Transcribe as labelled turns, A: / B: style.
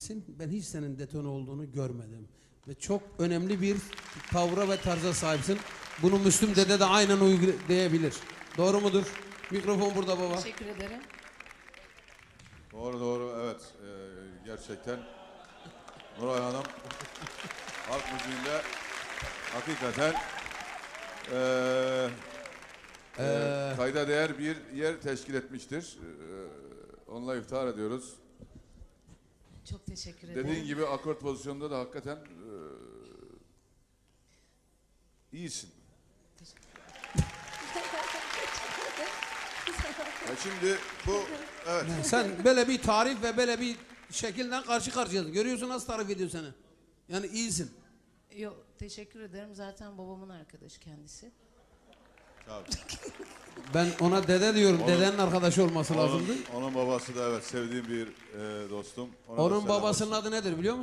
A: Ben hiç senin detone olduğunu görmedim. Ve çok önemli bir tavra ve tarza sahipsin. Bunu Müslüm Dede de aynen uygulayabilir. Doğru mudur? Mikrofon burada baba.
B: Teşekkür ederim.
C: Doğru doğru, evet. Gerçekten Nuray Hanım halk müziğinde hakikaten kayda değer bir yer teşkil etmiştir. Onunla iftihar ediyoruz.
B: Çok teşekkür ederim.
C: Dediğin gibi akort pozisyonunda da hakikaten iyisin. Şimdi bu, evet.
A: Sen böyle bir tarif ve böyle bir şekilden karşı karşıyasın. Görüyorsun nasıl tarif ediyor seni. Yani iyisin.
B: Yok, teşekkür ederim. Zaten babamın arkadaşı kendisi.
C: Tabii.
A: Ben ona dede diyorum. Dedenin arkadaşı olması lazımdı.
C: Onun babası da evet sevdiğim bir dostum. Ona da
A: Onun
C: selam
A: babasının
C: olsun.
A: adı nedir biliyor musun?